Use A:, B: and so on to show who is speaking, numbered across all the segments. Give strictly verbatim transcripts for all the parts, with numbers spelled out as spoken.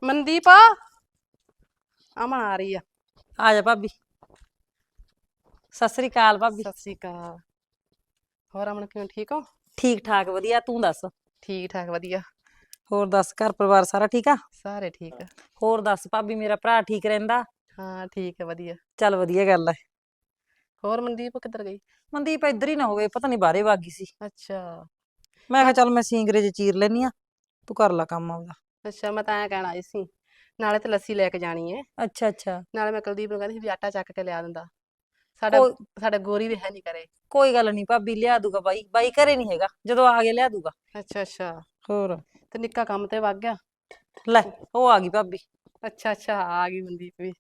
A: ਮਨਦੀਪ ਆ ਅਮਨ ਆ ਰਹੀ ਆ।
B: ਆ ਜਾ ਭਾਬੀ। ਸਤਿ ਸ੍ਰੀ ਅਕਾਲ ਭਾਬੀ।
A: ਸਤਿ ਸ੍ਰੀ ਅਕਾਲ। ਹੋਰ ਅਮਨ ਕਿਵੇਂ ਠੀਕ ਹੋ?
B: ਠੀਕ ਠਾਕ ਵਧੀਆ, ਤੂੰ ਦੱਸ?
A: ਠੀਕ ਠਾਕ ਵਧੀਆ।
B: ਹੋਰ ਦੱਸ, ਘਰ ਪਰਿਵਾਰ ਸਾਰਾ ਠੀਕ ਆ?
A: ਸਾਰੇ ਠੀਕ ਆ।
B: ਹੋਰ ਦੱਸ ਭਾਬੀ, ਮੇਰਾ ਭਰਾ ਠੀਕ ਰਹਿੰਦਾ?
A: ਹਾਂ ਠੀਕ ਹੈ ਵਧੀਆ।
B: ਚੱਲ ਵਧੀਆ ਗੱਲ ਹੈ।
A: ਹੋਰ ਮਨਦੀਪ ਕਿੱਧਰ ਗਈ?
B: ਮਨਦੀਪ ਇੱਧਰ ਹੀ ਨਾ ਹੋਵੇ, ਪਤਾ ਨਹੀਂ ਬਾਹਰੇ ਵਾਗੀ ਸੀ।
A: ਅੱਛਾ
B: ਮੈਂ ਕਿਹਾ
A: ਮੈਂ
B: ਚੱਲ ਮੈਂ ਸਿੰਗਰੇ ਚ ਚੀਰ ਲੈਨੀ ਆ, ਤੂੰ ਕਰ ਲਾ ਕੰਮ ਆਪਦਾ।
A: ਅੱਛਾ ਮੈਂ ਤਾਂ ਐਂ ਕਹਿਣ ਆਈ ਸੀ, ਨਾਲੇ ਤੇ ਲੱਸੀ ਲੈ ਕੇ ਜਾਣੀ ਏ,
B: ਅੱਛਾ ਅੱਛਾ।
A: ਨਾਲੇ ਮੈਂ ਕੁਲਦੀਪ ਨੂੰ ਕਹਿੰਦੀ ਸੀ ਵੀ ਆਟਾ ਚੱਕ ਕੇ ਲਿਆ ਦਿੰਦਾ। ਸਾਡਾ
B: ਕੋਈ
A: ਸਾਡਾ ਗੋਰੀ ਵੀ ਹੈ ਨਹੀਂ ਘਰੇ।
B: ਕੋਈ ਗੱਲ ਨਹੀਂ ਭਾਬੀ, ਲਿਆ ਦੂਗਾ ਬਾਈ। ਬਾਈ ਘਰੇ ਨਹੀਂ ਹੈਗਾ, ਜਦੋਂ ਆ ਗਿਆ ਲਿਆ ਦੂਗਾ।
A: ਅੱਛਾ ਅੱਛਾ।
B: ਹੋਰ
A: ਤੇ ਨਿੱਕਾ ਕੰਮ ਤੇ ਵਗ ਗਿਆ?
B: ਲੈ ਉਹ ਆ ਗਈ ਭਾਬੀ।
A: ਅੱਛਾ ਅੱਛਾ ਆ ਗਈ ਮਨਦੀਪ ਵੀ।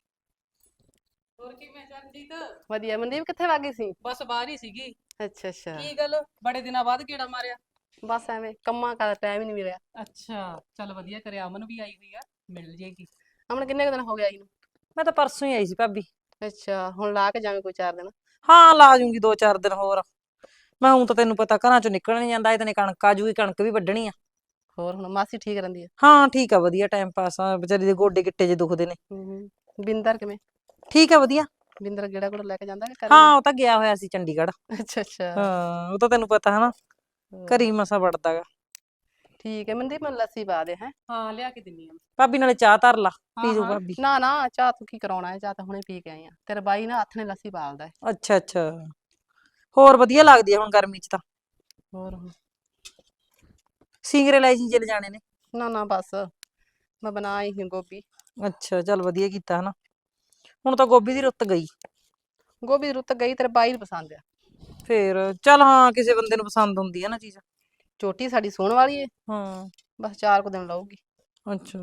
C: ਹੋਰ ਕਿਵੇਂ ਚਰਨਜੀਤ?
A: ਵਧੀਆ। ਮਨਦੀਪ ਕਿੱਥੇ ਵਗ ਗਈ ਸੀ?
C: ਬਸ ਬਾਹਰ ਹੀ ਸੀਗੀ।
A: ਅੱਛਾ ਅੱਛਾ।
C: ਕੀ ਗੱਲ ਬੜੇ ਦਿਨਾਂ ਬਾਅਦ ਗੇੜਾ ਮਾਰਿਆ?
A: ਬਸ ਐਵੇਂ ਕੰਮਾਂ ਦਾ ਟਾਈਮ ਹੀ ਨਹੀਂ ਮਿਲਿਆ।
C: ਅੱਛਾ ਚੱਲ ਵਧੀਆ ਕਰਿਆ, ਅਮਨ ਵੀ ਆਈ ਹੋਈ ਆ, ਮਿਲ ਜੇਗੀ।
A: ਅਮਨ ਕਿੰਨੇ ਕੁ ਦਿਨ ਹੋ ਗਏ ਆਈ ਨੂੰ?
B: ਮੈਂ ਤਾਂ ਪਰਸੋਂ ਹੀ ਆਈ ਸੀ ਭਾਬੀ।
A: ਅੱਛਾ ਹੁਣ ਲਾ ਕੇ ਜਾਵੇਂ ਕੋਈ ਚਾਰ ਦਿਨ?
B: ਹਾਂ ਲਾ ਜੂੰਗੀ ਦੋ ਚਾਰ ਦਿਨ ਹੋਰ। ਮੈਂ ਹੁਣ ਤਾਂ ਤੈਨੂੰ ਪਤਾ ਘਰਾਂ ਚੋਂ ਨਿਕਲ ਨੀ ਜਾਂਦਾ, ਇਹ ਤਾਂ ਕਣਕ ਆ ਜੂਗੀ, ਕਣਕ ਵੀ ਵੱਢਣੀ ਆ।
A: ਹੋਰ ਹੁਣ ਮਾਸੀ ਠੀਕ ਰਹਿੰਦੀ ਹੈ?
B: ਹਾਂ ਠੀਕ ਆ ਵਧੀਆ, ਟਾਈਮ ਪਾਸ ਆ, ਵਿਚਾਰੀ ਦੇ ਗੋਡੇ ਗਿੱਟੇ ਜੇ ਦੁਖਦੇ ਨੇ।
A: ਹੂੰ। ਬਿੰਦਰ ਕਿਵੇਂ?
B: ਠੀਕ ਆ ਵਧੀਆ।
A: ਬਿੰਦਰ ਗੇੜਾ ਗੂੜਾ ਲੈ ਕੇ ਜਾਂਦਾ ਕਿ ਘਰੇ ਹੀ
B: ਹਾਂ
A: ਆ?
B: ਉਹ ਤਾਂ ਗਿਆ ਹੋਇਆ ਸੀ ਚੰਡੀਗੜ੍ਹ।
A: ਅੱਛਾ ਅੱਛਾ।
B: ਹਾਂ ਉਹ ਤਾਂ ਤੈਨੂੰ ਪਤਾ ਹਨਾ,
A: ਹੋਰ।
B: ਘਰੀ ਮਸਾ ਵੜਦਾ ਗਾ।
A: ਠੀਕ ਹੈ ਮਨਦੀਪ ਮੈਨੂੰ ਲੱਸੀ ਪਾ ਦੇ ਹੈ।
C: ਹਾਂ ਲਿਆ ਕੇ ਦਿੰਨੀ ਆ।
B: ਭਾਬੀ ਨਾਲੇ ਚਾਹ ਧਰ ਲਾ,
C: ਹਾਂ
B: ਪੀ ਜੂ
C: ਹਾਂ
B: ਭਾਬੀ।
A: ਨਾ ਨਾ ਚਾਹ ਤੂੰ ਕੀ ਕਰਾਉਣਾ ਹੈ, ਚਾਹ ਤਾਂ ਹੁਣੇ ਪੀ ਕੇ ਆਈ ਆ। ਤੇਰਾ ਬਾਈ ਨਾ ਹੱਥ ਨੇ ਲੱਸੀ ਪਾਲਦਾ ਹੈ।
B: ਅੱਛਾ ਅੱਛਾ। ਹੋਰ ਵਧੀਆ ਲੱਗਦੀ ਆ ਹੁਣ ਗਰਮੀ ਚ ਤਾਂ।
A: ਹੋਰ ਹੁਣ।
B: ਸਿੰਗਰੇ ਲੈ ਜੀ ਚਲੇ ਜਾਣੇ ਨੇ?
A: ਨਾ ਨਾ ਬਸ ਮੈਂ ਬਣਾ ਆਈ ਸੀ ਗੋਭੀ।
B: ਅੱਛਾ ਚੱਲ ਵਧੀਆ ਕੀਤਾ ਹਨਾ, ਹੁਣ ਤਾਂ ਗੋਭੀ ਦੀ ਰੁੱਤ ਗਈ।
A: ਗੋਭੀ ਦੀ ਰੁੱਤ ਗਈ, ਤੇਰੇ ਬਾਈ ਨੂੰ ਪਸੰਦ ਆ।
B: ਫੇਰ ਚੱਲ ਹਾਂ, ਕਿਸੇ ਬੰਦੇ ਨੂੰ ਪਸੰਦ ਹੁੰਦੀ ਆ ਨਾ ਚੀਜ਼।
A: ਚੋਟੀ ਸਾਡੀ ਸੋਹਣ ਵਾਲੀ ਏ,
B: ਹਾਂ
A: ਬਸ ਚਾਰ ਕੁ ਦਿਨ ਲਊਗੀ।
B: ਅੱਛਾ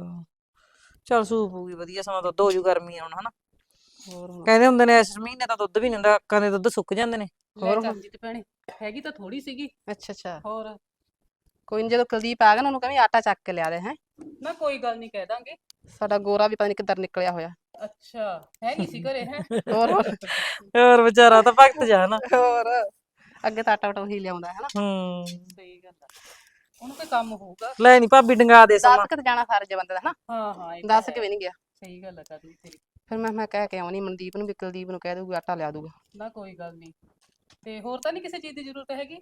B: ਚੱਲ ਸੂਪ ਹੋਊਗੀ ਵਧੀਆ, ਸਮਾਂ ਦੁੱਧ ਹੋ ਜੂ ਗਰਮੀ ਆ ਹੁਣ ਹਨਾ।
A: ਹੋਰ ਹੁਣ।
B: ਕਹਿੰਦੇ ਹੁੰਦੇ ਨੇ ਇਸ ਮਹੀਨੇ ਤਾਂ ਦੁੱਧ ਵੀ ਨੀ ਹੁੰਦਾ, ਅੱਕਾਂ ਦੇ ਦੁੱਧ ਸੁੱਕ ਜਾਂਦੇ ਨੇ।
C: ਲੈ
A: ਹੋਰ ਹੁਣ।
C: ਚਰਨਜੀਤ ਭੈਣੇ, ਹੈਗੀ ਤਾਂ ਥੋੜੀ ਸੀਗੀ।
A: ਅੱਛਾ ਅੱਛਾ।
C: ਹੋਰ
A: ਕੋਈ ਨੀ ਜਦੋਂ ਕੁਲਦੀਪ ਆ ਗਿਆ ਨਾ ਉਹਨੂੰ ਕਹਿੰਦੀ ਆਟਾ ਚੱਕ ਕੇ ਲਿਆ ਦੇ ਹੈ।
C: ਨਾ ਕੋਈ ਗੱਲ ਨਹੀਂ, ਕਹਿ ਦਾਂਗੇ।
A: ਸਾਡਾ ਗੋਰਾ ਵੀ ਪਤਾ ਨੀ ਕਿੱਧਰ ਨਿਕਲਿਆ ਹੋਇਆ।
C: ਅੱਛਾ ਹੈ ਨਹੀਂ ਸੀ ਘਰੇ ਹੈ?
A: ਹੋਰ ਹੋਰ।
B: ਹੋਰ ਵਿਚਾਰਾ ਤਾਂ ਭਗਤ ਜਾ ਹਨਾ।
A: ਹੋਰ ਅੱਗੇ ਤਾਂ ਆਟਾ ਉਟਾ ਉਹੀ ਲਿਆਉਂਦਾ ਹੈ ਨਾ।
B: ਹੂੰ।
C: ਸਹੀ ਗੱਲ ਆ, ਉਹਨੂੰ ਕੋਈ ਕੰਮ ਹੋਊਗਾ।
B: ਲੈ ਨੀ ਭਾਬੀ ਡੰਗਾ ਦੇ
A: ਦੱਸ
B: ਸਮਾਂ।
A: ਕੇ ਤੇ ਜਾਣਾ ਫਰਜ਼ ਬੰਦੇ ਦਾ ਹਨਾ।
C: ਹਾਂ ਹਾਂ ਇਹ ਤਾਂ
A: ਦੱਸ ਕੇ
C: ਹੈ।
A: ਵੀ ਨਹੀਂ ਗਿਆ।
C: ਸਹੀ ਗੱਲ ਆ ਕਰਨੀ ਤੇਰੀ।
A: ਫਿਰ ਮੈਂ ਮੈਂ ਕਹਿ ਕੇ ਆਉਣੀ ਮਨਦੀਪ ਨੂੰ ਵੀ ਕੁਲਦੀਪ ਨੂੰ ਕਹਿ ਦਊਗੀ ਆਟਾ ਲਿਆ ਦੂਗਾ।
C: ਨਾ ਕੋਈ ਗੱਲ ਨਹੀਂ। ਤੇ ਹੋਰ ਤਾਂ ਨਹੀਂ ਕਿਸੇ ਚੀਜ਼ ਦੀ ਜ਼ਰੂਰਤ ਹੈਗੀ?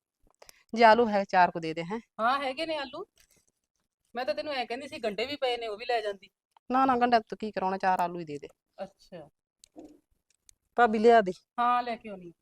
A: ਜੇ ਆਲੂ ਹੈ ਚਾਰ ਕੁ ਦੇ ਦੇ ਹੈ।
C: ਹਾਂ ਹੈਗੇ ਨੇ ਆਲੂ। ਮੈਂ ਤਾਂ ਤੈਨੂੰ ਐ ਕਹਿੰਦੀ ਸੀ ਗੰਡੇ ਵੀ ਪਏ ਨੇ, ਉਹ ਵੀ ਲੈ ਜਾਂਦੀ।
A: ਨਾ ਨਾ ਗੰਢਾ ਤੂੰ ਕੀ ਕਰਾਉਣਾ, ਚਾਰ ਆਲੂ ਹੀ ਦੇ ਦੇ।
C: ਅੱਛਾ
B: ਭਾਬੀ ਲਿਆ ਦੇ।
C: ਹਾਂ ਲੈ ਕੇ ਆਉਣੀ।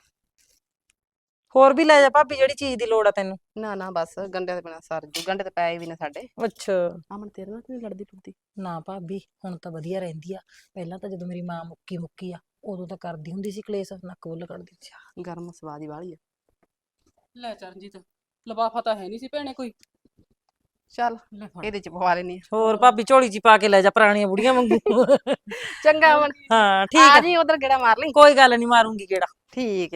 B: ਹੋਰ ਵੀ ਲੈ ਜਾ ਭਾਬੀ, ਜਿਹੜੀ ਚੀਜ਼ ਦੀ ਲੋੜ ਆ ਤੈਨੂੰ।
A: ਨਾ ਨਾ ਬਸ ਗੰਢਿਆਂ ਦੇ ਬਿਨਾਂ ਸਰ ਜੂ, ਗੰਢੇ ਤੇ ਪਏ ਵੀ ਨੇ ਸਾਡੇ।
B: ਅੱਛਾ।
A: ਅਮਨ ਤੇਰੇ ਨਾਲ ਕਿਉਂ ਲੜਦੀ ਟੁੱਟਦੀ?
B: ਨਾ ਭਾਬੀ ਹੁਣ ਤਾਂ ਵਧੀਆ ਰਹਿੰਦੀ ਆ, ਪਹਿਲਾਂ ਤਾਂ ਜਦੋਂ ਮੇਰੀ ਮਾਂ ਮੁੱਕੀ ਮੁੱਕੀ ਆ ਉਦੋਂ ਤਾਂ ਕਰਦੀ ਹੁੰਦੀ ਸੀ ਕਲੇਸ਼, ਨੱਕ ਬੁੱਲ ਕੱਢਦੀ ਸੀ।
A: ਗਰਮ ਸਵਾਦ ਹੀ ਵਾਲੀ ਆ।
C: ਲੈ ਚਰਨਜੀਤ, ਲਿਫਾਫਾ ਤਾਂ ਹੈ ਨਹੀਂ ਸੀ ਭੈਣੇ ਕੋਈ।
A: ਚੱਲ
C: ਲੈ ਫੜ।
A: ਇਹਦੇ ਚ ਪਵਾ ਲੈਣੀ ਆ।
B: ਹੋਰ ਭਾਬੀ ਝੋਲੀ ਚ ਪਾ ਕੇ ਲੈ ਜਾ, ਪੁਰਾਣੀਆਂ ਬੁੜੀਆਂ ਵਾਂਗੂ।
A: ਚੰਗਾ ਅਮਨ।
B: ਹਾਂ ਠੀਕ
A: ਆ
B: ਆ,
A: ਜੀ ਉਧਰ ਗੇੜਾ ਮਾਰ ਲਈ।
B: ਕੋਈ ਗੱਲ ਨੀ, ਮਾਰੂੰਗੀ ਗੇੜਾ।
A: ਠੀਕ ਆ।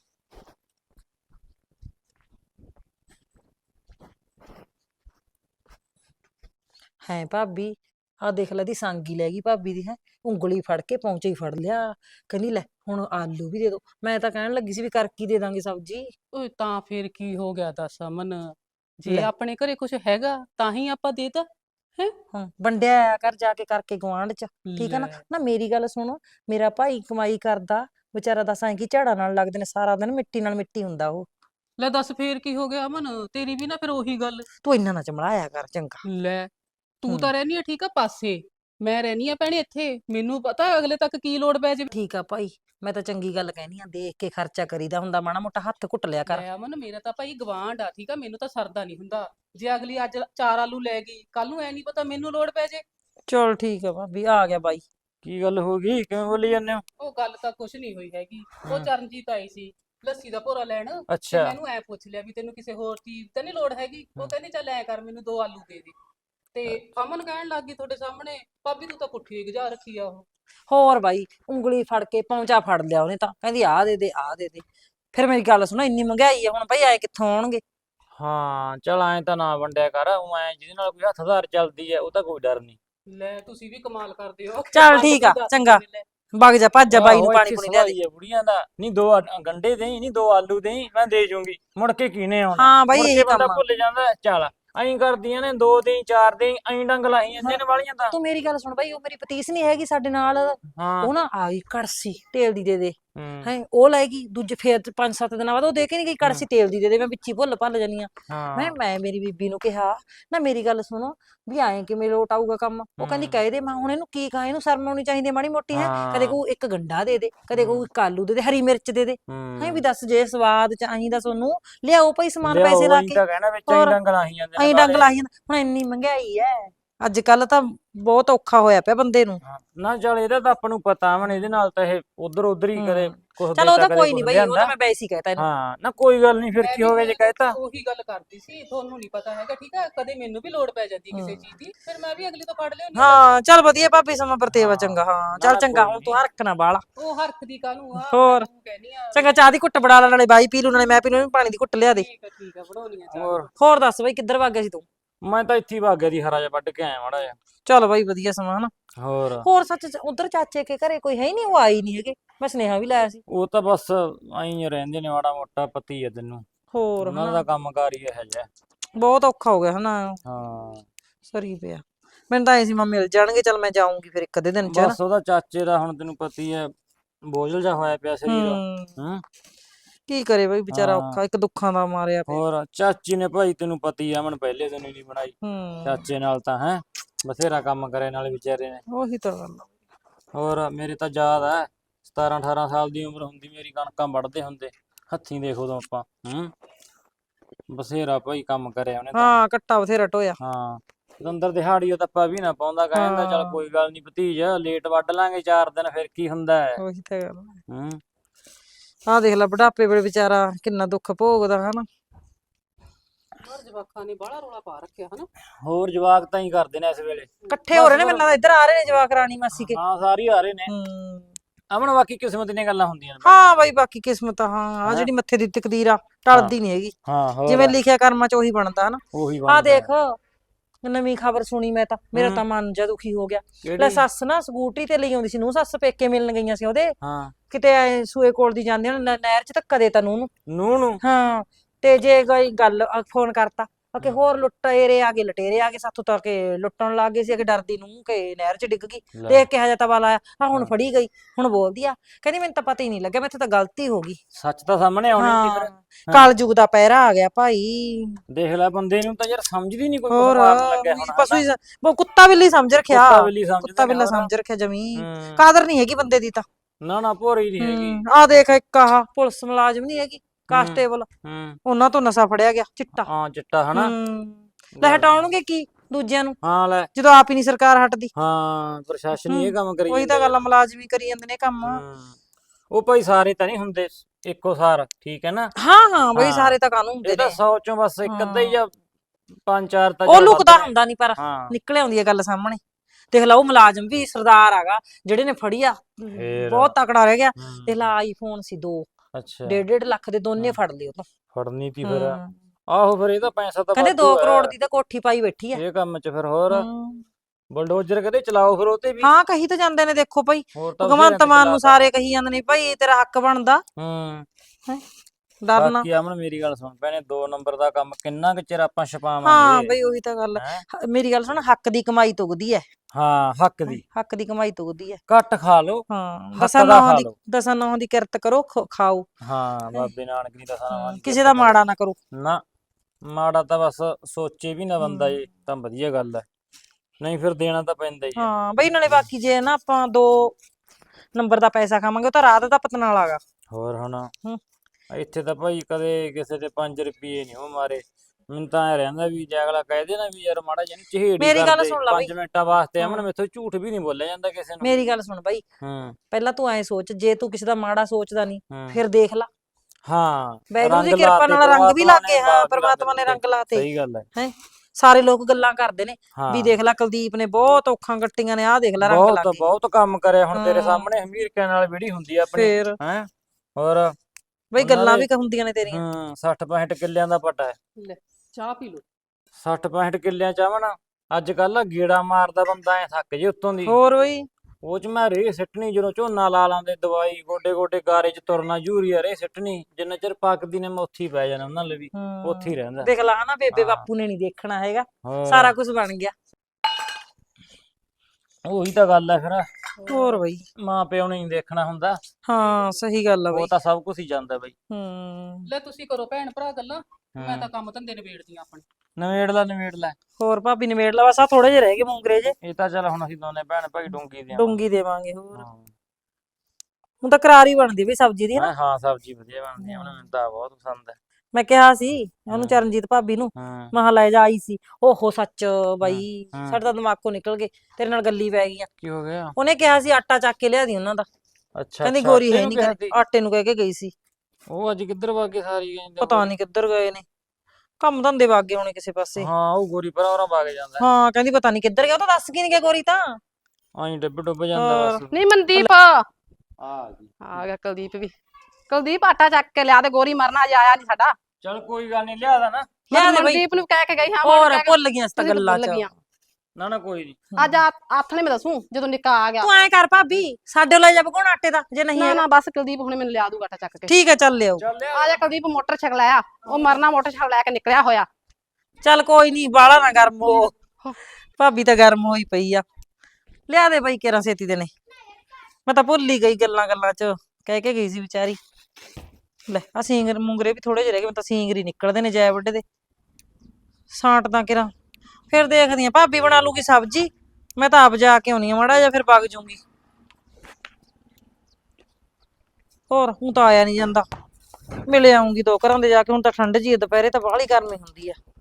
B: ਹੈ ਭਾਬੀ ਆਹ ਦੇਖ ਲੈ ਦੀ ਸਾਂਗੀ ਲੈ ਗਈ ਭਾਬੀ ਦੀ, ਹੈ ਉਂਗਲੀ ਫੜ ਕੇ ਪੌਂਚੇ ਹੀ ਫੜ ਲਿਆ। ਕਹਿੰਦੀ ਲੈ ਹੁਣ ਆਲੂ ਵੀ ਦੇ ਦੋ। ਮੈਂ ਤਾਂ ਕਹਿਣ ਲੱਗੀ ਸੀ ਵੀ ਕਰ ਕੀ ਦੇ ਦਾਂਗੇ ਸਬਜ਼ੀ।
C: ਓਏ ਤਾਂ ਫੇਰ ਕੀ ਹੋ ਗਿਆ ਦੱਸ ਅਮਨ, ਜੇ
B: ਲੈ
C: ਆਪਣੇ ਘਰੇ ਕੁਝ ਹੈਗਾ ਤਾਂ ਹੀ ਆਪਾਂ ਦੇਤਾ ਹੈ।
B: ਹਾਂ ਵੰਡਿਆ ਆਇਆ ਕਰ ਜਾ ਕੇ ਕਰਕੇ ਗੁਆਂਢ ਚ, ਠੀਕ ਆ ਨਾ।
C: ਲੈ
B: ਨਾ ਮੇਰੀ ਗੱਲ ਸੁਣ, ਮੇਰਾ ਭਾਈ ਕਮਾਈ ਕਰਦਾ ਵਿਚਾਰਾ, ਦੱਸ ਐਂ ਕੀ ਝਾੜਾਂ ਨਾਲ ਲੱਗਦੇ ਨੇ, ਸਾਰਾ ਦਿਨ ਮਿੱਟੀ ਨਾਲ ਮਿੱਟੀ ਹੁੰਦਾ ਉਹ।
C: ਲੈ ਦੱਸ ਫੇਰ ਕੀ ਹੋ ਗਿਆ ਅਮਨ, ਤੇਰੀ ਵੀ ਨਾ ਫਿਰ ਉਹੀ ਗੱਲ।
B: ਤੂੰ ਇੰਨਾ ਨਾ ਚਮੜਾਇਆ ਕਰ ਚੰਗਾ।
C: ਲੈ ਤੂੰ
B: ਹੂੰ
C: ਤਾਂ ਰਹਿਨੀ ਆ ਠੀਕ ਆ ਪਾਸੇ, ਮੈਂ ਰਹਿਨੀ ਆ ਭੈਣੇ ਇੱਥੇ, ਮੈਨੂੰ ਪਤਾ ਅਗਲੇ ਤੱਕ ਕੀ ਲੋੜ ਪੈ ਜਾਵੇ।
B: ਠੀਕ ਆ ਭਾਈ, ਮੈਂ ਤਾਂ ਚੰਗੀ ਗੱਲ ਕਹਿਨੀ ਆ, ਦੇਖ ਕੇ ਖਰਚਾ ਕਰੀਦਾ ਹੁੰਦਾ, ਮਾੜਾ ਮੋਟਾ ਹੱਥ ਘੁੱਟ ਲਿਆ ਕਰ।
C: ਲੈ ਅਮਨ ਮੇਰਾ ਤਾਂ ਭਾਈ ਗਵਾਂਢ ਆ, ਠੀਕ ਆ, ਮੈਨੂੰ ਤਾਂ ਸਰਦਾ ਨਹੀਂ ਹੁੰਦਾ। ਜੇ ਅਗਲੀ ਅੱਜ ਚਾਰ ਆਲੂ ਲੈ ਗਈ, ਕੱਲ ਨੂੰ ਐ ਨਹੀਂ ਪਤਾ ਮੈਨੂੰ ਲੋੜ ਪੈ ਜੇ।
B: ਚਲ ਠੀਕ ਆ ਭਾਬੀ, ਆ ਗਿਆ ਬਾਈ।
D: ਕੀ ਗੱਲ ਹੋ ਗਈ, ਕਿਵੇਂ ਬੋਲੀ ਜਾਂਦੇ ਹੋ?
C: ਉਹ ਗੱਲ ਤਾਂ ਕੁਛ ਨਹੀਂ ਹੋਈ ਹੈਗੀ। ਉਹ
D: ਹਮ,
C: ਚਰਨਜੀਤ ਆਈ ਸੀ ਲੱਸੀ ਦਾ ਭੋਰਾ ਲੈਣ, ਤੇ
D: ਅੱਛਾ।
C: ਮੈਨੂੰ ਐ ਪੁੱਛ ਲਿਆ ਵੀ ਤੈਨੂੰ ਕਿਸੇ ਹੋਰ ਚੀਜ਼ ਤਾਂ ਨਹੀਂ ਲੋੜ ਹੈਗੀ। ਉਹ
D: ਹਮ,
C: ਕਹਿੰਦੀ ਚੱਲ ਐ ਕਰ ਮੈਨੂੰ ਦੋ ਆਲੂ ਦੇ ਦੇ। ਤੇ ਅਮਨ ਕਹਿਣ ਲੱਗ ਗਈ ਤੁਹਾਡੇ ਸਾਹਮਣੇ, ਭਾਬੀ ਤੂੰ ਤਾਂ ਪੁੱਠੀ ਗਜਾ ਰੱਖੀ ਆ ਉਹ।
B: ਹੋਰ ਬਾਈ ਉਂਗਲੀ ਫੜ ਕੇ ਪੌਂਚਾ ਫੜ ਲਿਆ ਉਹਨੇ ਤਾਂ, ਕਹਿੰਦੀ ਆਹ ਦੇ ਦੇ ਆਹ ਦੇ ਦੇ। ਫਿਰ ਮੇਰੀ ਗੱਲ ਸੁਣੋ, ਇੰਨੀ ਮਹਿੰਗਾਈ ਆ ਹੁਣ ਬਈ ਆਏ ਕਿੱਥੋਂ ਆਉਣਗੇ।
D: ਹਾਂ ਚੱਲ ਐਂ ਤਾਂ ਨਾ ਵੰਡਿਆ ਕਰ, ਉਹ ਐ ਜਿਹਦੇ ਨਾਲ ਕੋਈ ਹੱਥਦਾਰ ਚੱਲਦੀ ਹੈ ਉਹ ਤਾਂ ਕੋਈ ਡਰ ਨਹੀਂ।
C: ਲੈ ਤੁਸੀਂ ਵੀ ਕਮਾਲ ਕਰਦੇ ਹੋ,
B: ਚੱਲ
C: ਵੰਡ
B: ਠੀਕ
C: ਕੇ
B: ਆ
C: ਦੱਸਦੇ
B: ਚੰਗਾ,
C: ਨੇ। ਲੈ
B: ਵਗ ਜਾ ਭੱਜ ਜਾ, ਬਾਈ ਨੂੰ
D: ਆਹੋ
B: ਪਾਣੀ
D: ਇੱਥੇ
B: ਪੂਣੀ ਲਿਆ ਦੇ।
D: ਸਵਾਈ ਹੈ ਬੁੜੀਆਂ ਦਾ। ਨਹੀਂ ਦੋ ਆ- ਗੰਢੇ ਦੇਈ, ਨਹੀਂ ਦੋ ਆਲੂ ਦੇਈ, ਮੈਂ ਦੇ ਜੂੰਗੀ। ਮੁੜ ਕੇ ਕਿਹਨੇ ਆਉਣਾ,
B: ਹਾਂ ਬਾਈ
D: ਮੁੜ
B: ਇਹੀ
D: ਕੇ ਬੰਦਾ
B: ਕੰਮ ਆ।
D: ਭੁੱਲ ਜਾਂਦਾ। ਚੱਲ ਐਂ ਕਰਦੀਆਂ ਨੇ ਦੋ ਦਿਨ ਚਾਰ ਦਿਨ ਐਂ ਡੰਗ ਲਾਈ ਜਾਂਦੇ ਨੇ ਵਾਲੀਆਂ ਤਾਂ
B: ਤੂੰ ਮੇਰੀ ਗੱਲ ਸੁਣ ਬਾਈ, ਉਹ ਮੇਰੀ ਪਤੀਸ ਨਹੀਂ ਹੈਗੀ ਸਾਡੇ ਨਾਲ,
D: ਹਾਂ
B: ਉਹ ਨਾ ਆਈ ਕੜਸੀ ਤੇਲ ਦੀ ਦੇ ਦੇ
D: ਹੂੰ
B: ਹੈ, ਉਹ ਲੈ ਗਈ ਦੂਜੇ ਫੇਰ ਪੰਜ ਸੱਤ ਦਿਨਾਂ ਬਾਅਦ ਉਹ ਦੇ ਕੇ ਨਹੀਂ ਗਈ ਕੜਸੀ ਤੇਲ ਦੀ ਦੇ ਦੇ, ਮੈਂ ਵਿੱਚੀ ਭੁੱਲ ਭੱਲ ਜਾਨੀ ਆ। ਮੈਂ
D: ਹਾਂ
B: ਮੈਂ ਮੇਰੀ ਬੀਬੀ ਨੂੰ ਕਿਹਾ ਨਾ ਮੇਰੀ ਗੱਲ ਸੁਣੋ ਵੀ ਐਂ ਕਿਵੇਂ ਲੋਟ ਆਊਗਾ ਕੰਮ, ਉਹ ਕਹਿੰਦੀ
D: ਹੂੰ।
B: ਕਹਿ ਦੇ। ਮੈਂ ਹੁਣ ਇਹਨੂੰ ਕੀ ਕਹਾਂ, ਇਹਨੂੰ ਸ਼ਰਮ ਆਉਣੀ ਚਾਹੀਦੀ ਹੈ ਮਾੜੀ ਮੋਟੀ ਹੈ। ਕਦੇ
D: ਹਾਂ
B: ਕਹੂ ਇੱਕ ਗੰਡਾ ਦੇ ਦੇ, ਕਦੇ ਕਹੂ ਇੱਕ ਆਲੂ ਦੇ ਦੇ, ਹਰੀ ਮਿਰਚ ਦੇ ਦੇ। ਹੈ ਵੀ
D: ਹੂੰ
B: ਦੱਸ ਜੇ ਸਵਾਦ ਚ ਆਹੀਂ ਦਾ ਤੁਹਾਨੂੰ ਲਿਆਓ ਭਾਈ ਸਮਾਨ ਪੈਸੇ
D: ਲਿਆਓ
B: ਲਾ
D: ਐਂ
B: ਕੇ।
D: ਤਾਂ ਕਹਿਣਾ ਵਿੱਚ ਐਂ
B: ਹੋਰ
D: ਡੰਗ ਲਾਈ ਜਾਂਦੇ ਨੇ
B: ਐਂ ਡੰਗ
D: ਸਾਰੇ।
B: ਲਾਈ ਜਾਂਦਾ, ਹੁਣ ਇੰਨੀ ਮਹਿੰਗਾਈ ਹੈ ਅੱਜ ਕੱਲ ਤਾਂ ਬਹੁਤ ਔਖਾ ਹੋਇਆ ਪਿਆ ਬੰਦੇ ਨੂੰ।
D: ਹਾਂ, ਨਾ ਚੱਲ ਇਹਦਾ ਤਾਂ ਆਪਾਂ ਨੂੰ ਪਤਾ ਵਾ ਇਹਦੇ ਨਾਲ ਤਾਂ ਇਹ ਉਧਰ ਉਧਰ ਹੀ ਕਦੇ
B: ਹੂੰ।
D: ਕੁਛ
B: ਚਲ ਉਹ
D: ਦੇਤਾ
B: ਤਾਂ
D: ਕਦੇ
B: ਕੋਈ
D: ਕੁਛ
B: ਨਹੀਂ ਬਈ, ਉਹ ਤਾਂ
D: ਲਿਆਂਦਾ।
B: ਮੈਂ ਵੈਸੇ ਹੀ ਕਹਿਤਾ ਇਹਨੂੰ।
D: ਹਾਂ ਨਾ ਕੋਈ ਗੱਲ ਨਹੀਂ, ਫਿਰ
C: ਮੈਂ
D: ਕੀ
C: ਵੀ
D: ਹੋ ਗਿਆ ਜੇ ਕਹਿਤਾ।
C: ਉਹੀ ਗੱਲ ਕਰਦੀ ਸੀ, ਤੁਹਾਨੂੰ ਨਹੀਂ ਪਤਾ ਹੈਗਾ ਠੀਕ ਹੈ, ਕਦੇ ਮੈਨੂੰ ਵੀ ਲੋੜ ਪੈ ਜਾਂਦੀ ਕਿਸੇ
B: ਹੂੰ।
C: ਚੀਜ਼ ਦੀ, ਫਿਰ ਮੈਂ ਵੀ ਅਗਲੀ ਤੋਂ ਫੜ ਲਿਆਉਂਦੀ
B: ਹਾਂ ਚੱਲ ਵਧੀਆ ਭਾਬੀ, ਸਮਾਂ ਵਰਤੇਵਾ
D: ਹਾਂ,
B: ਚੰਗਾ। ਹਾਂ
D: ਨਾ
B: ਚੱਲ
D: ਨਾ
B: ਚੰਗਾ,
D: ਕੋਈ
B: ਹੁਣ ਤੂੰ
D: ਨੀ।
B: ਹਰਖ ਨਾ ਬਾਲਾ।
C: ਉਹ ਹਰਖ ਦੀ ਕਾਹਨੂੰ ਆ,
B: ਹੋਰ।
C: ਮੈਂ ਕਹਿਨੀ ਆ
B: ਚੰਗਾ ਚਾਹ ਦੀ ਘੁੱਟ ਬਣਾ ਲੈ, ਨਾਲੇ ਬਾਈ ਪੀ ਲੂ ਨਾਲੇ ਮੈਂ ਪੀ ਲੂ, ਪਾਣੀ ਦੀ ਘੁੱਟ ਲਿਆ ਦੇ।
C: ਠੀਕ ਆ ਠੀਕ ਆ, ਬਣਾਉਣੀ ਆ ਚਾਹ।
D: ਹੋਰ
B: ਹੋਰ ਦੱਸ ਬਈ ਕਿੱਧਰ ਵਗ ਗਿਆ ਸੀ ਤੂੰ?
D: ਮੈਂ ਤਾਂ ਇੱਥੇ ਹੀ ਭੱਗ ਗਿਆ ਦੀ, ਹਰਾ ਜਿਹਾ ਵੱਢ ਕੇ ਆਇਆ ਮਾੜਾ ਜਿਹਾ।
B: ਚੱਲ ਬਾਈ ਵਧੀਆ ਸਮਾਂ ਹਨਾ।
D: ਹੋਰ
B: ਹੋਰ ਸੱਚ ਉਧਰ ਚਾਚੇ ਕੇ ਘਰੇ ਕੋਈ ਹੈ ਨਹੀਂ, ਉਹ ਆਈ ਨਹੀਂ ਹੈਗੇ, ਮੈਂ ਸੁਨੇਹਾ ਵੀ ਲਾਇਆ ਸੀ।
D: ਉਹ ਤਾਂ ਬਸ ਐਂ ਰਹਿੰਦੇ ਨੇ, ਮਾੜਾ ਮੋਟਾ ਪਤੀ ਆ ਤੈਨੂੰ,
B: ਹੋਰ
D: ਉਹਨਾਂ
B: ਹਨਾ
D: ਦਾ ਕੰਮਕਾਰ ਹੀ ਇਹੋ ਜਿਹਾ।
B: ਬਹੁਤ ਔਖਾ ਹੋ ਗਿਆ ਹਨਾ,
D: ਹਾਂ
B: ਸਰੀ ਪਿਆ। ਮੈਨੂੰ ਤਾਂ ਐ ਸੀ ਮੈਂ ਮਿਲ ਜਾਣਗੇ, ਚੱਲ ਮੈਂ ਜਾਊਂਗੀ ਫਿਰ ਇੱਕ ਅੱਧੇ ਦਿਨ ਚ ਹਨਾ।
D: ਬਸ ਉਹਦਾ ਚਾਚੇ ਦਾ ਹੁਣ ਤੈਨੂੰ ਪਤੀ ਹੈ, ਬੋਝਲ ਜਿਹਾ ਹੋਇਆ ਪਿਆ ਸਰੀਰ।
B: ਹੂੰ
D: ਹੂੰ
B: ਕੀ ਕਰੇ ਬਈ ਵਿਚਾਰਾ,
D: ਹਾਂ।
B: ਔਖਾ ਇੱਕ ਦੁੱਖਾਂ ਦਾ ਮਾਰਿਆ ਪਿਆ।
D: ਹੋਰ ਚਾਚੀ ਨੇ ਭਾਈ ਤੈਨੂੰ ਪਤੀ ਆ, ਅਮਨ ਪਹਿਲੇ ਦਿਨ ਹੀ ਨਹੀਂ ਬਣਾਈ
B: ਹੂੰ
D: ਚਾਚੇ ਨਾਲ ਤਾਂ ਹੈ, ਬਥੇਰਾ ਕੰਮ ਕਰੇ ਨਾਲ ਵਿਚਾਰੇ ਨੇ।
B: ਉਹੀ ਤਾਂ ਗੱਲ ਆ।
D: ਹੋਰ ਮੇਰੇ ਤਾਂ ਯਾਦ ਹੈ ਸਤਾਰਾਂ ਅਠਾਰਾਂ ਸਾਲ ਦੀ ਉਮਰ ਹੁੰਦੀ ਮੇਰੀ, ਕਣਕਾਂ ਵੱਢਦੇ ਹੁੰਦੇ ਹੱਥੀਂ, ਦੇਖ ਉਦੋਂ ਆਪਾਂ। ਹੂੰ ਬਥੇਰਾ ਭਾਈ ਕੰਮ ਕਰਿਆ ਉਹਨੇ ਤਾਂ।
B: ਹਾਂ ਕੱਟਾ ਬਥੇਰਾ ਟੋਇਆ।
D: ਹਾਂ ਅੰਦਰ ਦਿਹਾੜੀ ਉਹ ਤਾਂ ਵੀ ਨਾ ਪਾਉਂਦਾ, ਕਹਿੰਦਾ ਚੱਲ
B: ਹਾਂ
D: ਕੋਈ ਗੱਲ ਨਹੀਂ ਭਤੀਜ ਲੇਟ ਵੱਢ ਲਾਂਗੇ ਚਾਰ ਦਿਨ, ਫਿਰ ਕੀ ਹੁੰਦਾ ਹੈ।
B: ਉਹੀ ਤਾਂ ਗੱਲ
D: ਹੂੰ
B: ਆ। ਦੇਖ ਲੈ ਬੁਢਾਪੇ ਵੇਲੇ ਵਿਚਾਰਾ ਕਿੰਨਾ ਦੁੱਖ ਭੋਗਦਾ ਹਨਾ।
C: ਹੋਰ ਜਵਾਕਾਂ ਨੇ ਬਾਹਲਾ ਰੌਲਾ ਪਾ ਰੱਖਿਆ ਹਨਾ।
D: ਹੋਰ ਜਵਾਕ ਤਾਂ ਹੀ ਕਰਦੇ ਨੇ ਇਸ ਵੇਲੇ।
B: ਇਕੱਠੇ ਹੋ ਰਹੇ ਨੇ, ਮੈਨੂੰ ਲੱਗਦਾ ਇੱਧਰ ਆ ਰਹੇ ਨੇ ਜਵਾਕ ਰਾਣੀ ਮਾਸੀ ਕੇ।
D: ਹਾਂ ਸਾਰੀ ਆ ਰਹੇ ਨੇ।
B: ਹੂੰ
D: ਅਮਨ ਬਾਕੀ ਕਿਸਮਤ ਦੀਆਂ ਗੱਲਾਂ ਹੁੰਦੀਆਂ ਨੇ।
B: ਹਾਂ ਬਾਈ ਬਾਕੀ ਕਿਸਮਤ ਆ। ਹਾਂ ਆ
D: ਹੈਂ?
B: ਜਿਹੜੀ ਮੱਥੇ ਦੀ ਤਕਦੀਰ ਆ ਟਲਦੀ ਨਹੀਂ ਹੈਗੀ,
D: ਹਾਂ ਹੋਰ
B: ਜਿਵੇਂ ਲਿਖਿਆ ਕਰਮਾਂ ਚ ਉਹੀ ਬਣਦਾ ਹਨਾ।
D: ਉਹੀ
B: ਆ
D: ਬਣਦਾ
B: ਦੇਖ ਨਵੀਂ ਖਬਰ ਸੁਣੀ ਮੈਂ ਤਾਂ, ਮੇਰਾ
D: ਹੂੰ।
B: ਤਾਂ ਮਨ ਜਿਹਾ ਦੁਖੀ ਹੋ ਗਿਆ। ਲੈ
D: ਕਿਹੜੀ?
B: ਸੱਸ ਨਾ ਸਕੂਟਰੀ ਤੇ ਲਈ ਆਉਂਦੀ ਸੀ, ਨੂੰ ਸੱਸ ਪੇਕੇ ਮਿਲਣ ਗਈਆਂ ਸੀ ਉਹਦੇ,
D: ਹਾਂ
B: ਕਿਤੇ ਐ ਸੂਏ ਕੋਲ ਦੀ ਜਾਂਦੇ ਹਨ, ਨਹਿਰ ਚ ਧੱਕਾ ਦੇਤਾ ਨੂੰ ਨੂੰ।
D: ਨੂੰ ਨੂੰ
B: ਹਾਂ ਤੇ ਜੇ ਕੋਈ ਗੱਲ ਫੋਨ ਕਰਤਾ ਕਿ ਹੋਰ ਲੁੱਟੇਰੇ ਆ ਗਏ, ਲਟੇਰੇ ਆ ਗਏ ਸਾਥੋਂ, ਤਾਂ ਕਿ ਲੁੱਟਣ ਲੱਗ ਗਏ ਸੀ, ਕਿ ਡਰਦੀ ਨੂੰ ਕਿ ਨਹਿਰ ਚ ਡਿੱਗ ਗਈ।
D: ਲੈ।
B: ਦੇਖ ਕੇ ਹਜਾ ਤਵਾ ਲਾਇਆ, ਆ ਹੁਣ
D: ਹਾਂ।
B: ਫੜੀ ਗਈ, ਹੁਣ ਬੋਲਦੀ ਆ ਕਹਿੰਦੀ ਮੈਨੂੰ ਤਾਂ ਪਤਾ ਹੀ ਨਹੀਂ ਲੱਗਿਆ, ਮੈਥੇ ਤਾਂ ਗਲਤੀ ਹੋ ਗਈ।
D: ਸੱਚ ਤਾਂ ਸਾਹਮਣੇ ਆਉਣੀ ਸੀ ਫਿਰ।
B: ਹਾਂ ਕਲਯੁਗ ਦਾ ਪਹਿਰਾ ਆ ਗਿਆ ਭਾਈ।
D: ਦੇਖ ਲੈ ਬੰਦੇ ਨੂੰ ਤਾਂ ਯਾਰ ਸਮਝਦੀ ਨਹੀਂ ਕੋਈ, ਕੁਛ
B: ਹੋਰ
D: ਮਾਰਨ ਲੱਗਿਆ ਹੁਣ
B: ਪਸ਼ੂ ਹੀ ਸ- ਉਹ ਕੁੱਤਾ ਬਿੱਲੀ ਸਮਝ ਰੱਖਿਆ,
D: ਕੁੱਤਾ ਬਿੱਲੀ ਸਮਝਦੇ
B: ਕੁੱਤਾ
D: ਨੇ
B: ਬਿੱਲਾ
D: ਹੋਰ।
B: ਸਮਝ ਰੱਖਿਆ ਜਮੀ।
D: ਹੂੰ।
B: ਕਾਦਰ ਨਹੀਂ ਹੈਗੀ ਬੰਦੇ ਦੀ ਤਾਂ।
D: ਨਾ ਨਾ ਭੋਰੀ ਨਹੀਂ ਹੈਗੀ।
B: ਹੂੰ ਆ ਦੇਖ ਇੱਕ ਆਹ ਪੁਲਿਸ ਮੁਲਾਜ਼ਮ ਨਹੀਂ ਹੈਗੀ ਕਾਂਸਟੇਬਲ,
D: ਹੂੰ
B: ਉਹਨਾਂ ਤੋਂ ਨਸ਼ਾ ਫੜਿਆ ਗਿਆ ਚਿੱਟਾ।
D: ਹਾਂ ਚਿੱਟਾ ਹਨਾ।
B: ਹੂੰ ਲੈ ਹਟਾਉਣਗੇ ਕੀ ਦੂਜਿਆਂ ਨੂੰ,
D: ਹਾਂ ਲੈ
B: ਜਦੋਂ ਆਪ ਹੀ ਨਹੀਂ ਸਰਕਾਰ ਹਟਦੀ।
D: ਹਾਂ ਪ੍ਰਸ਼ਾਸਨ ਹੀ ਇਹ ਕੰਮ ਕਰੀ
B: ਉਹੀ ਤਾਂ
D: ਜਾਂਦਾ
B: ਗੱਲ ਆ, ਮੁਲਾਜ਼ਮੀ ਕਰੀ ਜਾਂਦੇ ਨੇ ਕੰਮ।
D: ਹੂੰ ਉਹ ਭਾਈ ਸਾਰੇ ਤਾਂ ਨਹੀਂ ਹੁੰਦੇ ਇੱਕੋ ਸਾਰ, ਠੀਕ ਹੈ ਨਾ।
B: ਹਾਂ ਹਾਂ ਬਈ
D: ਹਾਂ।
B: ਸਾਰੇ ਤਾਂ ਕਾਨੂੰਨ ਹੁੰਦੇ
D: ਇਹ ਤਾਂ
B: ਨੇ।
D: ਸੌ ਚੋਂ ਬਸ ਇੱਕ ਅੱਧਾ ਹੀ ਜਾਂ ਪੰਜ ਚਾਰ ਤਾਂ
B: ਉਹ
D: ਚੱਲ
B: ਲੁਕਦਾ
D: ਵੱਧ ਨੇ।
B: ਹੁੰਦਾ ਨਹੀਂ, ਪਰ
D: ਹਾਂ
B: ਨਿਕਲ ਆਉਂਦੀ ਹੈ ਗੱਲ ਸਾਹਮਣੇ। ਦੇਖ ਲਾ ਉਹ ਮੁਲਾਜ਼ਮ ਵੀ ਸਰਦਾਰ ਹੈਗਾ ਜਿਹੜੇ ਨੇ ਫੜੀ ਆ,
D: ਫੇਰ।
B: ਬਹੁਤ ਤਕੜਾ ਰਹਿ ਗਿਆ।
D: ਹੂੰ।
B: ਦੇਖ ਲਾ ਆਈਫੋਨ ਸੀ ਦੋ,
D: ਅੱਛਾ
B: ਡੇਢ ਡੇਢ ਲੱਖ ਦੇ ਦੋਨੇ
D: ਹਾਂ।
B: ਫੜ ਲਏ ਉਹ ਤੋਂ।
D: ਫੜਨੀ ਤੀ ਫਿਰ।
B: ਹੂੰ।
D: ਆਹੋ ਫਿਰ ਇਹਦਾ ਪੈਸਾ ਤਾਂ
B: ਕਹਿੰਦੇ ਦੋ
D: ਵਾਧੂ ਹੈ
B: ਕਰੋੜ ਦੀ ਤਾਂ ਕੋਠੀ ਪਾਈ ਬੈਠੀ ਆ।
D: ਇਹ ਕੰਮ 'ਚ ਫਿਰ। ਹੋਰ
B: ਹੂੰ।
D: ਬਲਡੋਜ਼ਰ ਕਦੇ ਚਲਾਓ ਫਿਰ ਉਹ ਤੇ ਵੀ।
B: ਹਾਂ ਕਹੀ ਤਾਂ ਜਾਂਦੇ ਨੇ, ਦੇਖੋ ਭਾਈ
D: ਹੋਰ ਤਾਂ
B: ਭਗਵੰਤ
D: ਬਥੇਰਿਆਂ ਨੇ
B: ਮਾਨ ਨੂੰ
D: ਚਲਾਤਾ।
B: ਸਾਰੇ ਕਹੀ ਜਾਂਦੇ ਨੇ ਭਾਈ ਤੇਰਾ ਹੱਕ ਬਣਦਾ
D: ਹੂੰ
B: ਹੈ, ਡਰਨਾ।
D: ਬਾਕੀ ਅਮਨ ਮੇਰੀ ਗੱਲ ਸੁਣ, ਭੈਣੇ ਦੋ ਨੰਬਰ ਦਾ ਕੰਮ ਕਿੰਨਾ ਕੁ ਚਿਰ ਆਪਾਂ
B: ਹਾਂ
D: ਛਪਾਵਾਂਗੇ।
B: ਬਈ ਉਹੀ ਤਾਂ ਗੱਲ
D: ਹੈਂ?
B: ਹੈ। ਮੇਰੀ ਗੱਲ ਸੁਣ, ਹੱਕ ਦੀ ਕਮਾਈ ਤੁਗਦੀ ਹੈ।
D: ਹਾਂ ਹੱਕ ਦੀ
B: ਹੱਕ ਦੀ ਕਮਾਈ ਤੁਗਦੀ ਹੈ।
D: ਘੱਟ ਖਾ ਲਓ,
B: ਹਾਂ
D: ਹੱਕ
B: ਦਸਾਂ
D: ਦਾ
B: ਨੌਂ
D: ਖਾ
B: ਦੀ
D: ਲਓ।
B: ਦਸਾਂ ਨੌਂ ਦੀ ਕਿਰਤ ਕਰੋ, ਖ- ਖਾਓ।
D: ਹਾਂ ਬਾਬੇ ਨਾਨਕ ਦੀ ਦਸਾਂ ਨਵਾਂ
B: ਹਾਂ,
D: ਦੀ
B: ਕਿਸੇ
D: ਕਿਰਤ
B: ਦਾ
D: ਕਰੋ।
B: ਮਾੜਾ ਨਾ ਕਰੋ।
D: ਨਾ ਮਾੜਾ ਤਾਂ ਬਸ ਸੋਚੇ ਵੀ ਨਾ ਬੰਦਾ ਜੀ ਤਾਂ ਵਧੀਆ ਗੱਲ ਹੈ, ਨਹੀਂ ਫਿਰ ਦੇਣਾ ਤਾਂ ਪੈਂਦਾ ਹੀ ਹੈ।
B: ਹਾਂ ਬਈ ਨਾਲੇ ਬਾਕੀ ਜੇ ਨਾ ਆਪਾਂ ਦੋ ਨੰਬਰ ਦਾ ਪੈਸਾ ਖਾਵਾਂਗੇ, ਉਹ ਤਾਂ ਰਾਤ ਦਾ ਪਤਨ ਵਾਲਾ ਗਾ।
D: ਹੋਰ ਹੁਣ
B: ਹੂੰ।
D: ਇੱਥੇ ਤਾਂ ਭਾਈ ਕਦੇ ਕਿਸੇ ਦੇ ਪੰਜ ਰੁਪਏ ਨਹੀਂ ਉਹ ਮਾਰੇ। ਮੈਨੂੰ ਤਾਂ ਐ ਰਹਿੰਦਾ ਵੀ ਜੇ ਅਗਲਾ ਕਹਿ ਦੇ ਨਾ ਵੀ ਯਾਰ ਮਾੜਾ ਜਿਹਾ ਚਿਹੜੀ
B: ਮੇਰੀ ਗੱਲ
D: ਕਰਦੇ
B: ਸੁਣ ਲਾ
D: ਪੰਜ
B: ਬਈ।
D: ਮਿੰਟਾਂ ਵਾਸਤੇ,
B: ਹਾਂ।
D: ਅਮਨ ਮੈਥੋਂ ਝੂਠ ਵੀ ਨਹੀਂ ਬੋਲਿਆ ਜਾਂਦਾ ਕਿਸੇ ਨੂੰ।
B: ਮੇਰੀ ਗੱਲ ਸੁਣ ਬਾਈ,
D: ਹੂੰ
B: ਪਹਿਲਾਂ ਤੂੰ ਐ ਸੋਚ, ਜੇ ਤੂੰ ਕਿਸੇ ਦਾ ਮਾੜਾ ਸੋਚਦਾ ਨਹੀਂ
D: ਹੂੰ
B: ਫਿਰ ਦੇਖ ਲਾ,
D: ਹਾਂ
B: ਵਾਹਿਗੁਰੂ ਦੀ
D: ਰੰਗ
B: ਕਿਰਪਾ
D: ਲਾਤੇ
B: ਨਾਲ ਰੰਗ ਵੀ
D: ਪ੍ਰਮਾਤਮਾ
B: ਲੱਗ
D: ਨੇ,
B: ਗਏ। ਹਾਂ
D: ਬਾਪ ਵੀ
B: ਪਰਮਾਤਮਾ ਨੇ
D: ਦਿੱਤੇ।
B: ਰੰਗ ਲਾਤੇ
D: ਸਹੀ ਗੱਲ ਹੈ।
B: ਹੈ। ਸਾਰੇ ਲੋਕ ਗੱਲਾਂ ਕਰਦੇ ਨੇ ਵੀ
D: ਹਾਂ
B: ਦੇਖ ਲੈ ਕੁਲਦੀਪ ਨੇ ਬਹੁਤ ਔਖਾਂ ਕੱਟੀਆਂ ਨੇ, ਆਹ ਦੇਖ ਲੈ ਰੰਗ ਲੱਗ
D: ਬਹੁਤ
B: ਗਏ।
D: ਬਹੁਤ ਕੰਮ ਕਰਿਆ। ਹੁਣ ਤੇਰੇ
B: ਹਾਂ
D: ਸਾਹਮਣੇ ਹਮੀਰਕਿਆਂ ਨਾਲ ਵੀੜੀ ਹੁੰਦੀ ਆ ਆਪਣੀ
B: ਫੇਰ
D: ਹੈ। ਹੋਰ
B: ਬਈ
D: ਉਹਨਾਂ
B: ਗੱਲਾਂ
D: ਦੇ
B: ਵੀ ਹੁੰਦੀਆਂ ਨੇ ਤੇਰੀਆਂ।
D: ਹੂੰ ਸੱਠ ਪੈਂਹਠ ਕਿੱਲਿਆਂ ਦਾ ਪਟਾ ਹੈ।
C: ਲੈ ਚਾਹ ਪੀ ਲਓ।
D: ਸੱਠ ਪੈਂਹਠ ਕਿੱਲਿਆਂ ਚ ਅਮਨ ਅੱਜ ਕੱਲ ਗੇੜਾ ਮਾਰਦਾ ਬੰਦਾ ਐ ਥੱਕ ਜੇ ਉੱਤੋਂ ਦੀ।
B: ਹੋਰ ਬਈ
D: ਉਹ ਚ ਮੈਂ ਰੇ ਸਿੱਟਣੀ ਜਦੋਂ ਝੋਨਾ ਲਾ ਲਾਂਦੇ ਦਵਾਈ ਗੋਡੇ ਗੋਡੇ ਗਾਰੇ ਚ ਤੁਰਨਾ ਯੂਰੀਆ ਰੇ ਸਿੱਟਣੀ ਜਿੰਨਾ ਚਿਰ ਪੱਕਦੀ ਨੇ ਮੈਂ ਉੱਥੇ ਹੀ ਪੈ ਜਾਣਾ ਉਹਨਾਂ ਲਈ ਵੀ ਉੱਥੇ ਹੀ ਰਹਿੰਦਾ।
B: ਦੇਖ ਲਾ ਨਾ ਬੇਬੇ
D: ਹਾਂ।
B: ਬਾਪੂ ਨੇ ਨਹੀਂ ਦੇਖਣਾ ਹੈਗਾ,
D: ਹੋਰ।
B: ਸਾਰਾ ਕੁਝ ਬਣ ਗਿਆ।
D: ਉਹੀ ਤਾਂ ਗੱਲ ਹੈ ਫਿਰ,
B: ਹੋਰ ਬਈ
D: ਮਾਂ ਪਿਓ ਨੇ ਨਹੀਂ ਦੇਖਣਾ ਹੁੰਦਾ,
B: ਹਾਂ ਸਹੀ ਗੱਲ ਆ
D: ਉਹ
B: ਬਈ।
D: ਤਾਂ ਸਭ ਕੁਝ ਹੀ ਜਾਂਦਾ ਬਈ।
B: ਹੂੰ
C: ਲੈ ਤੁਸੀਂ ਕਰੋ ਭੈਣ ਭਰਾ ਗੱਲਾਂ, ਮੈਂ
D: ਹੂੰ।
C: ਤਾਂ ਕੰਮ ਧੰਦੇ ਨਿਬੇੜਦੀ ਆਂ ਆਪਣੇ।
D: ਨਵੇੜ ਲੈ ਨਵੇੜ ਲੈ,
B: ਹੋਰ ਭਾਬੀ ਨਿਬੇੜ ਲਾ, ਬਸ ਆ ਥੋੜੇ ਜਿਹੇ ਰਹਿ ਗਏ ਮੂੰਗਰੇ ਜੇ,
D: ਇਹ ਤਾਂ ਚੱਲ ਹੁਣ ਅਸੀਂ ਦੋਨੇ ਭੈਣ ਭਾਈ ਡੂੰਗੀ ਦੇ
B: ਡੂੰਗੀ ਦੇਵਾਂਗੇ। ਹੋਰ ਹੁਣ ਤਾਂ ਕਰਾਰੀ ਬਣਦੀ ਵੀ ਸਬਜ਼ੀ ਦੀ ਨਾ।
D: ਹਾਂ ਸਬਜ਼ੀ ਵਧੀਆ ਬਣਦੀ ਆ, ਮੈਨੂੰ ਤਾਂ ਬਹੁਤ ਪਸੰਦ ਹੈ।
B: ਮੈਂ ਕਿਹਾ ਸੀ ਉਹਨੂੰ
D: ਹਾਂ।
B: ਚਰਨਜੀਤ ਭਾਬੀ ਨੂੰ,
D: ਹਾਂ
B: ਮਹਾ ਲੈ ਜਾ, ਆਈ ਸੀ। ਓਹੋ ਸੱਚ ਬਾਈ,
D: ਹਾਂ।
B: ਸਾਡਾ ਤਾਂ ਦਿਮਾਗੋਂ ਨਿਕਲ ਗਏ, ਤੇਰੇ ਨਾਲ ਗੱਲੀ ਪੈ ਗਈਆਂ।
D: ਕੀ ਹੋ ਗਿਆ?
B: ਉਹਨੇ ਕਿਹਾ ਸੀ ਆਟਾ ਚੱਕ ਕੇ ਲਿਆ ਦੀ ਉਹਨਾਂ ਦਾ,
D: ਅੱਛਾ
B: ਕਹਿੰਦੀ
D: ਅੱਛਾ,
B: ਗੋਰੀ ਹੈ
D: ਤੈਨੂੰ
B: ਨਹੀਂ
D: ਕਿਹਾ
B: ਘਰੇ,
D: ਸੀ?
B: ਆਟੇ ਨੂੰ ਕਹਿ ਕੇ ਗਈ ਸੀ।
D: ਉਹ ਅੱਜ ਕਿੱਧਰ ਵਗ ਗਏ ਸਾਰੀ ਗਏ
B: ਪਤਾ ਨਹੀਂ ਕਿੱਧਰ ਗਏ ਨੇ, ਕੰਮ ਧੰਦੇ ਵਗ ਗਏ ਹੋਣੇ ਕਿਸੇ ਪਾਸੇ।
D: ਹਾਂ ਉਹ ਗੋਰੀ ਪਰ ਉਹਨਾਂ ਵਗ ਜਾਂਦਾ
B: ਹਾਂ ਕਹਿੰਦੀ ਪਤਾ ਨਹੀਂ ਕਿੱਧਰ ਗਿਆ, ਉਹ ਤਾਂ ਦੱਸ ਕੀ ਨਹੀਂ ਗਿਆ ਗੋਰੀ ਤਾਂ।
D: ਆਈ ਡੱਬ ਡੁੱਬ ਜਾਂਦਾ ਬਸ।
A: ਨਹੀਂ ਮਨਦੀਪ
D: ਆ ਗਈ।
A: ਆ ਗਿਆ ਕੁਲਦੀਪ ਵੀ। ਕੁਲਦੀਪ ਆਟਾ ਚੱਕ ਕੇ ਲਿਆ, ਤੇ ਗੋਰੀ ਮਰਨਾ ਅਜੇ ਆਇਆ ਨਹੀਂ ਸਾਡਾ।
D: ਚੱਲ ਕੋਈ ਗੱਲ ਨਹੀਂ, ਲਿਆਦਾ ਨਾ।
B: ਲਿਆ
A: ਮੈਂ
B: ਦੇ ਬਈ।
A: ਮਨਦੀਪ ਨੂੰ ਕਹਿ ਕੇ ਗਈ ਹਾਂ,
B: ਹੋਰ
A: ਮੈਂ
B: ਭੁੱਲ ਗਈਆਂ ਇਸ ਤਾਂ ਗੱਲਾਂ ਚ।
D: ਨਾ ਨਾ ਕੋਈ ਨਹੀਂ।
A: ਅੱਜ ਆਥਣੇ ਮੈਂ ਦੱਸੂ ਜਦੋਂ ਨਿੱਕਾ ਆ ਗਿਆ।
B: ਤੂੰ ਐ ਕਰ ਭਾਬੀ, ਸਾਡੇ ਲੈ ਜਾ ਬਗਾਉਣ ਆਟੇ ਦਾ, ਜੇ ਨਹੀਂ
A: ਨਾ
B: ਹੈਗਾ।
A: ਨਾ ਬਸ ਕੁਲਦੀਪ ਹੁਣੇ ਮੈਨੂੰ ਲਿਆ ਦੂਗਾ ਆਟਾ ਚੱਕ ਕੇ।
B: ਠੀਕ ਹੈ ਚੱਲ ਲਿਆਓ।
D: ਚੱਲ ਲਿਆ।
A: ਆ ਜਾ ਕੁਲਦੀਪ, ਮੋਟਰਸਾਈਕਲ ਆਇਆ, ਉਹ ਮਰਨਾ ਮੋਟਰਸਾਈਕਲ ਲੈ ਕੇ ਨਿਕਲਿਆ ਹੋਇਆ।
B: ਚੱਲ ਕੋਈ ਨਹੀਂ, ਬਾਹਲਾ ਨਾ ਗਰਮ ਹੋ, ਭਾਬੀ ਤਾਂ ਗਰਮ ਹੋਈ ਪਈ ਆ। ਲਿਆ ਦੇ ਬਈ ਕੇਰਾਂ ਛੇਤੀ ਦੇ ਨੇ, ਮੈਂ ਤਾਂ ਭੁੱਲ ਹੀ ਗਈ ਗੱਲਾਂ ਗੱਲਾਂ ਚ, ਕਹਿ ਕੇ ਗਈ ਸੀ ਵਿਚਾਰੀ। ਲੈ ਆ ਸਿੰਗਰ ਮੂੰਗਰੇ ਵੀ ਥੋੜੇ ਜਿਹੇ ਰਹਿ ਗਏ, ਮੈਂ ਤਾਂ ਸਿੰਗਰ ਹੀ ਨਿਕਲਦੇ ਨੇ ਜੈ ਵੱਡੇ ਦੇ। ਸਾਂਟ ਤਾਂ ਕਿਰਾਂ ਫਿਰ ਦੇਖਦੀ ਆ, ਭਾਬੀ ਬਣਾ ਲੂਗੀ ਸਬਜ਼ੀ, ਮੈਂ ਤਾਂ ਆਪ ਜਾ ਕੇ ਆਉਣੀ ਆ ਮਾੜਾ ਜਿਹਾ, ਫਿਰ ਵਗ ਜੂੰਗੀ। ਹੋਰ ਹੁਣ ਤਾਂ ਆਇਆ ਨਹੀਂ ਜਾਂਦਾ, ਮਿਲ ਆਉਂਗੀ ਦੋ ਘਰਾਂ ਦੇ ਜਾ ਕੇ। ਹੁਣ ਤਾਂ ਠੰਡ ਜੀ ਆ, ਦੁਪਹਿਰੇ ਤਾਂ ਬਾਹਲੀ ਗਰਮੀ ਹੁੰਦੀ ਆ।